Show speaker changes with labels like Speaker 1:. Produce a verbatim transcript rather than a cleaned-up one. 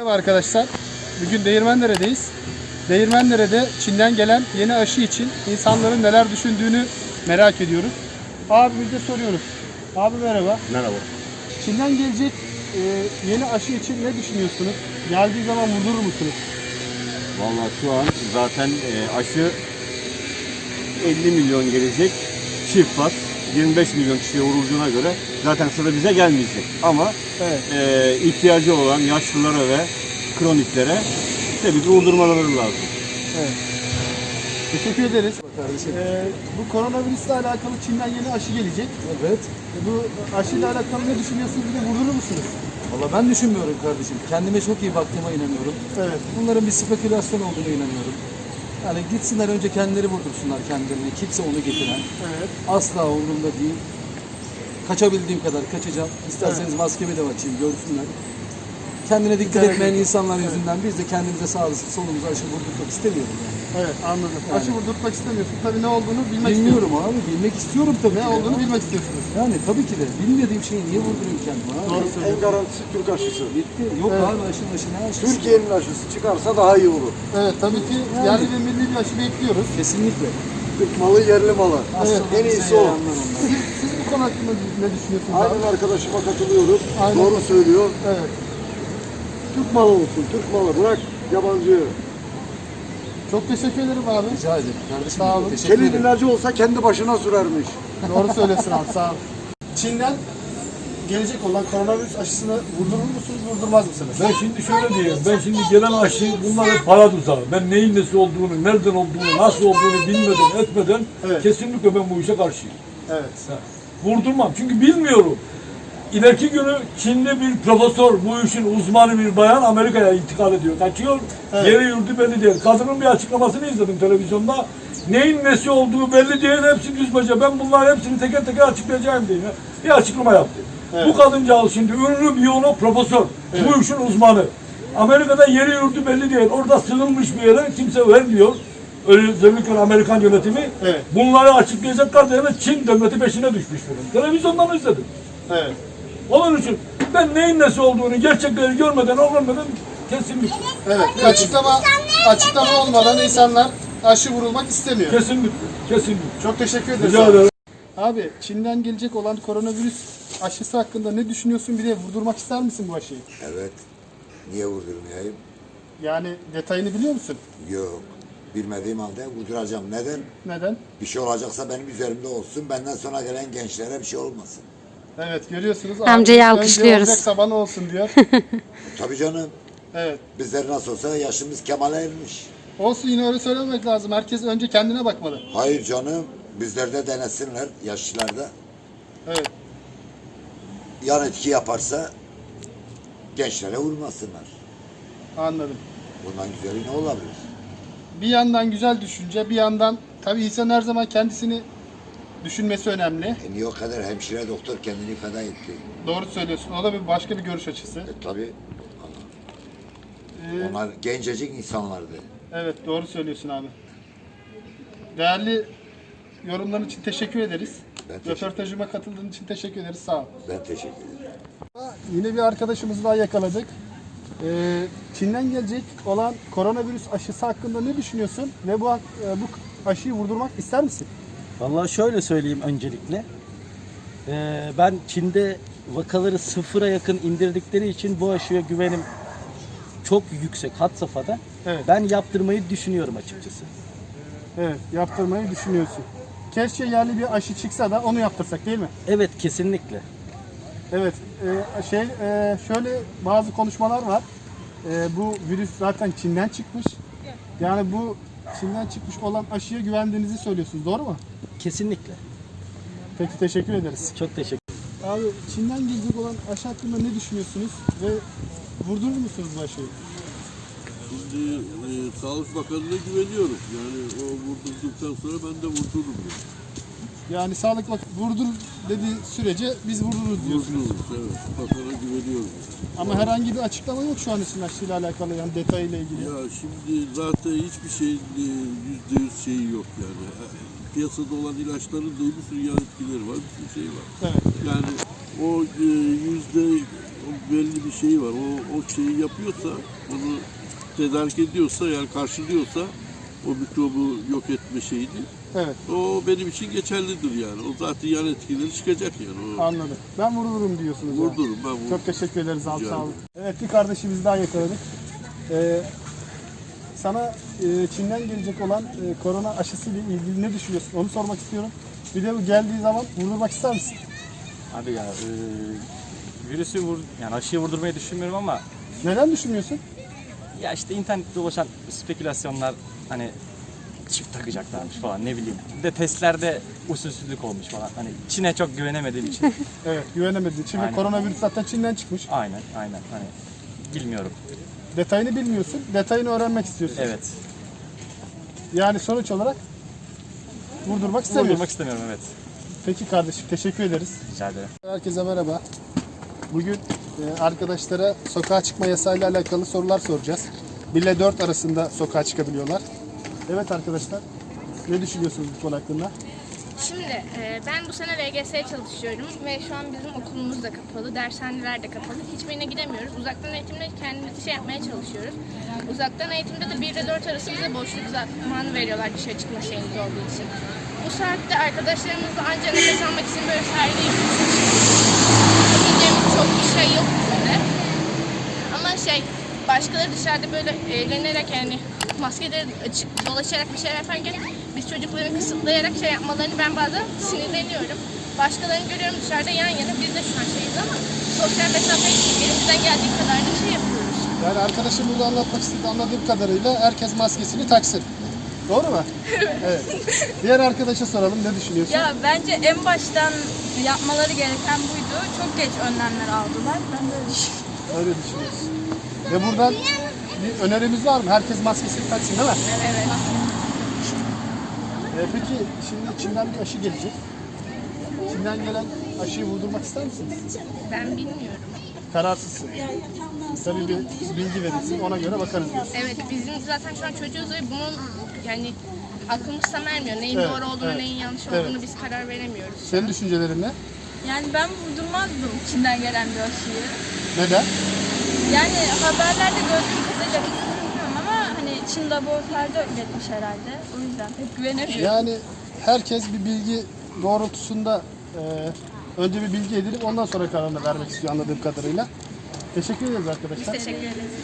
Speaker 1: Merhaba arkadaşlar. Bugün Değirmendere'deyiz. Değirmendere'de Çin'den gelen yeni aşı için insanların neler düşündüğünü merak ediyoruz. Abimize soruyoruz. Abi merhaba.
Speaker 2: Merhaba.
Speaker 1: Çin'den gelecek e, yeni aşı için ne düşünüyorsunuz? Geldiği zaman vurdurur musunuz?
Speaker 2: Vallahi şu an zaten e, aşı elli milyon gelecek çift var. yirmi beş milyon kişiye vurulduğuna göre zaten sıra bize gelmeyecek. Ama
Speaker 1: Evet.
Speaker 2: e, ihtiyacı olan yaşlılara ve kroniklere tabii ki vurdurmaları lazım.
Speaker 1: Evet. Teşekkür ederiz. Ee, bu koronavirüsle alakalı Çin'den yeni aşı gelecek.
Speaker 3: Evet.
Speaker 1: E, bu aşıyla alakalı ne düşünüyorsunuz? Bir de vurdurur musunuz?
Speaker 3: Valla ben düşünmüyorum kardeşim. Kendime çok iyi baktığıma inanıyorum.
Speaker 1: Evet.
Speaker 3: Bunların bir spekülasyon olduğunu inanıyorum. Yani gitsinler önce kendileri vurdursunlar kendilerini. Kimse onu getiren.
Speaker 1: Evet.
Speaker 3: Asla umurumda değil. Kaçabildiğim kadar kaçacağım. İsterseniz
Speaker 1: Evet.
Speaker 3: maskemi de açayım, görsünler. Kendine dikkat
Speaker 1: Evet.
Speaker 3: etmeyen insanlar yüzünden biz de kendimize sağlık solumuza aşı vurdurmak istemiyorum yani.
Speaker 1: Evet, anladım.
Speaker 3: Yani.
Speaker 1: Aşı vurdurtmak istemiyorsun. Tabii ne olduğunu bilmek
Speaker 3: Bilmiyorum
Speaker 1: istiyorsun.
Speaker 3: abi, bilmek istiyorum tabii.
Speaker 1: Ne
Speaker 3: ki de.
Speaker 1: olduğunu bilmek istiyorsunuz.
Speaker 3: Yani tabii ki de. Bilmediğim şeyi niye vurdurayım kendime abi?
Speaker 1: Doğru
Speaker 4: En
Speaker 1: söylüyorsun.
Speaker 4: garantisi Türk aşısı.
Speaker 3: Bitti. Yok
Speaker 1: Evet.
Speaker 3: abi aşı aşı ne aşısı?
Speaker 4: Türkiye'nin aşısı çıkarsa daha iyi olur.
Speaker 1: Evet, tabii ki
Speaker 3: Yani.
Speaker 1: yerli ve milli bir aşı bekliyoruz.
Speaker 3: Kesinlikle.
Speaker 4: Türk malı, yerli malı.
Speaker 3: Aslında
Speaker 4: En
Speaker 3: bize
Speaker 4: iyisi o.
Speaker 3: yaranlar onlar.
Speaker 1: Siz, siz bu konu hakkında ne düşünüyorsunuz? abi?
Speaker 4: Aynen arkadaşıma katılıyorum.
Speaker 1: Aynen.
Speaker 4: Doğru söylüyor.
Speaker 1: Evet.
Speaker 4: Türk malı olsun, Türk malı. Bırak yabancı.
Speaker 1: Çok teşekkür ederim abi.
Speaker 3: Rica ederim kardeşim.
Speaker 1: Sağ olun.
Speaker 3: Teşekkür
Speaker 4: Kelin
Speaker 3: ederim.
Speaker 4: ilacı olsa kendi başına sürermiş.
Speaker 1: Doğru söylüyorsun abi, sağ ol. Çin'den gelecek olan koronavirüs aşısını vurdurur musunuz, vurdurmaz mısınız?
Speaker 5: Ben şimdi şöyle diyeyim, ben şimdi gelen aşı bunlar hep para tuzağı. Ben neyin nesi olduğunu, nereden olduğunu, nasıl olduğunu bilmeden, etmeden
Speaker 1: Evet.
Speaker 5: kesinlikle ben bu işe karşıyım.
Speaker 1: Evet.
Speaker 5: Ha, Vurdurmam çünkü bilmiyorum. İleriki günü Çinli bir profesör, bu işin uzmanı bir bayan Amerika'ya intikal ediyor, kaçıyor.
Speaker 1: Evet.
Speaker 5: Yeri yurdu belli değil. Kadının bir açıklamasını izledim televizyonda. Neyin nesi olduğu belli değil, hepsi düz baca. Ben bunların hepsini teker teker açıklayacağım diye bir açıklama yaptı.
Speaker 1: Evet.
Speaker 5: Bu kadıncağız şimdi ünlü biyolog profesör, bu işin uzmanı. Amerika'da yeri yurdu belli değil. Orada sığınmış bir yere kimse vermiyor. Özellikle Amerikan yönetimi.
Speaker 1: Evet.
Speaker 5: Bunları açıklayacaklar diye Çin devleti peşine düşmüş bunun. Televizyondan izledim.
Speaker 1: Evet.
Speaker 5: Onun için ben neyin nesi olduğunu gerçekleri görmeden, öğrenmeden kesinlikle.
Speaker 1: Evet. Bir açıklama, açıklama olmadan insanlar aşı vurulmak istemiyor.
Speaker 5: Kesinlikle. Kesinlikle.
Speaker 1: Çok teşekkür ederiz.
Speaker 5: Rica
Speaker 1: abi.
Speaker 5: ederim.
Speaker 1: Abi, Çin'den gelecek olan koronavirüs aşısı hakkında ne düşünüyorsun? Bir de vurdurmak ister misin bu aşıyı?
Speaker 6: Evet. Niye vurdurmayayım?
Speaker 1: Yani detayını biliyor musun?
Speaker 6: Yok. Bilmediğim halde vurduracağım. Neden?
Speaker 1: Neden?
Speaker 6: Bir şey olacaksa benim üzerimde olsun. Benden sonra gelen gençlere bir şey olmasın.
Speaker 1: Evet, görüyorsunuz.
Speaker 7: Amcayı
Speaker 1: Abi,
Speaker 7: alkışlıyoruz.
Speaker 1: önce olacaksa bana olsun diyor.
Speaker 6: Tabii canım.
Speaker 1: Evet.
Speaker 6: Bizler nasıl olsa yaşımız kemale ermiş.
Speaker 1: Olsun, yine öyle söylemek lazım. Herkes önce kendine bakmalı.
Speaker 6: Hayır canım. Bizlerde denesinler. Yaşlılarda.
Speaker 1: Evet.
Speaker 6: Yan etki yaparsa gençlere vurmasınlar.
Speaker 1: Anladım.
Speaker 6: Bundan güzeli ne olabilir?
Speaker 1: Bir yandan güzel düşünce, bir yandan tabii insan her zaman kendisini düşünmesi önemli.
Speaker 6: E niye o kadar hemşire doktor kendini feda etti?
Speaker 1: Doğru söylüyorsun. O da bir başka bir görüş açısı.
Speaker 6: E tabii.
Speaker 1: Ee,
Speaker 6: Onlar gencecik insanlardı.
Speaker 1: evet, doğru söylüyorsun abi. Değerli yorumların için teşekkür ederiz.
Speaker 6: Ben teşekkür-
Speaker 1: Röportajıma katıldığın için teşekkür ederiz. Sağ ol.
Speaker 6: Ben teşekkür ederim.
Speaker 1: Yine bir arkadaşımızı daha yakaladık. Ee, Çin'den gelecek olan koronavirüs aşısı hakkında ne düşünüyorsun? Ve bu, e, bu aşıyı vurdurmak ister misin?
Speaker 8: Vallahi şöyle söyleyeyim öncelikle. Ee, ben Çin'de vakaları sıfıra yakın indirdikleri için bu aşıya güvenim çok yüksek, had safhada.
Speaker 1: Evet.
Speaker 8: Ben yaptırmayı düşünüyorum açıkçası.
Speaker 1: Evet, yaptırmayı düşünüyorsun. Keşke yerli bir aşı çıksa da onu yaptırsak, değil mi?
Speaker 8: Evet, kesinlikle.
Speaker 1: Evet, e, şey e, şöyle bazı konuşmalar var. E, bu virüs zaten Çin'den çıkmış. Yani bu Çin'den çıkmış olan aşıya güvendiğinizi söylüyorsunuz, doğru mu?
Speaker 8: Kesinlikle.
Speaker 1: Peki, teşekkür ederiz.
Speaker 8: Çok teşekkür
Speaker 1: Abi, Çin'den gelecek olan aşı hakkında ne düşünüyorsunuz ve vurdurur musunuz bu aşıyı?
Speaker 9: Şimdi e, Sağlık Bakanı'na güveniyorum. Yani o vurdurduktan sonra ben de vurdururum. Yani.
Speaker 1: Yani Sağlık Bakanı vurdur dediği sürece biz vurdururuz diyorsunuz.
Speaker 9: Vurdururuz, evet. Bakana güveniyorum.
Speaker 1: Ama herhangi bir açıklama yok şu an için aşıyla alakalı, yani detayıyla ilgili.
Speaker 9: Ya şimdi zaten hiçbir şeyin e, yüzde yüz şeyi yok yani. E, Piyasada olan ilaçların da bir sürü yan etkileri var, bir sürü şey var.
Speaker 1: Evet.
Speaker 9: Yani o e, yüzde o belli bir şey var. O, o şeyi yapıyorsa, onu tedarik ediyorsa, yani karşılıyorsa o mikrobu yok etme şeyini,
Speaker 1: Evet,
Speaker 9: o benim için geçerlidir yani. O zaten yan etkileri çıkacak yani. O
Speaker 1: anladım. Ben vururum diyorsunuz. yani.
Speaker 9: vurdurum ben vururum.
Speaker 1: Çok teşekkür ederiz abi,
Speaker 9: Rica
Speaker 1: sağ olun.
Speaker 9: ederim.
Speaker 1: Evet, bir kardeşimiz daha yakaladık. Ee, sana e, Çin'den gelecek olan e, korona aşısıyla ilgili ne düşünüyorsun? Onu sormak istiyorum. Bir de bu geldiği zaman vurdurmak ister misin?
Speaker 7: Abi ya e, virüsü vur, yani aşıyı vurdurmayı düşünmüyorum ama
Speaker 1: Neden düşünmüyorsun?
Speaker 7: ya işte internette dolaşan spekülasyonlar hani çift takacaklarmış falan ne bileyim. Bir de testlerde usulsüzlük olmuş falan. Hani Çin'e çok güvenemediğim için.
Speaker 1: Evet, güvenemedin. Şimdi
Speaker 7: Aynen.
Speaker 1: koronavirüs zaten Çin'den çıkmış.
Speaker 7: Aynen aynen hani bilmiyorum.
Speaker 1: Detayını bilmiyorsun, detayını öğrenmek istiyorsun.
Speaker 7: Evet.
Speaker 1: Yani sonuç olarak vurdurmak istemiyorsun.
Speaker 7: Vurdurmak istemiyorum evet.
Speaker 1: Peki kardeşim, teşekkür ederiz.
Speaker 7: Rica ederim.
Speaker 1: Herkese merhaba. Bugün e, arkadaşlara sokağa çıkma yasayla alakalı sorular soracağız. bir ile dört arasında sokağa çıkabiliyorlar. Evet arkadaşlar, ne düşünüyorsunuz bu konu hakkında?
Speaker 10: Şimdi e, ben bu sene L G S'ye çalışıyorum ve şu an bizim okulumuz da kapalı, dershaneler de kapalı. Hiçbirine gidemiyoruz. Uzaktan eğitimle kendimizi şey yapmaya çalışıyoruz. Uzaktan eğitimde de bir ile dört arası bize boşluk zamanı veriyorlar dışarı çıkma şeyimiz olduğu için. Bu saatte arkadaşlarımızla ancak nefes almak için böyle sahilde yapabileceğimiz çok bir şey yok bizde. Ama şey, başkaları dışarıda böyle eğlenerek yani maskeleri açık dolaşarak bir şeyler yaparken biz çocukları kısıtlayarak şey yapmalarını ben bazen sinirleniyorum. Başkalarını görüyorum dışarıda yan yana, biz de şu an şeyiz ama sosyal mesafeyi elimizden geldiği kadar da şey yapıyoruz.
Speaker 1: Yani arkadaşım burada anlatmak istediği, anladığım kadarıyla herkes maskesini taksın. Doğru mu? Evet. Diğer arkadaşa soralım, ne düşünüyorsun?
Speaker 11: Ya bence en baştan yapmaları gereken buydu. Çok geç önlemler aldılar. Ben de öyle düşünüyorum.
Speaker 1: Öyle düşünüyorsun. Ve buradan bir önerimiz var mı? Herkes maskesini taksın değil mi?
Speaker 11: Evet.
Speaker 1: Ee, peki şimdi Çin'den bir aşı gelecek. Çin'den gelen aşıyı vurdurmak ister misiniz?
Speaker 10: Ben bilmiyorum.
Speaker 1: Kararsızsın. Tabii bir bilgi verirsin, ona göre bakarız diyorsun.
Speaker 10: Evet, bizim zaten şu an çocuğuz ve bunun yani aklımız tam ermiyor. Neyin
Speaker 1: Evet,
Speaker 10: doğru olduğunu,
Speaker 1: evet.
Speaker 10: neyin yanlış
Speaker 1: Evet.
Speaker 10: olduğunu biz karar veremiyoruz.
Speaker 1: Senin düşüncelerin ne?
Speaker 11: Yani ben vurdurmazdım Çin'den gelen bir aşıyı.
Speaker 1: Neden?
Speaker 11: Yani haberlerde gördüğüm kadarıyla bilmiyorum ama hani Çin laboratuvarda üretmiş herhalde. O yüzden pek güvenemiyorum.
Speaker 1: Yani herkes bir bilgi doğrultusunda e, önce bir bilgi edinip ondan sonra kararını vermek istiyor anladığım kadarıyla. Teşekkür ederiz arkadaşlar.
Speaker 10: Teşekkür ederiz.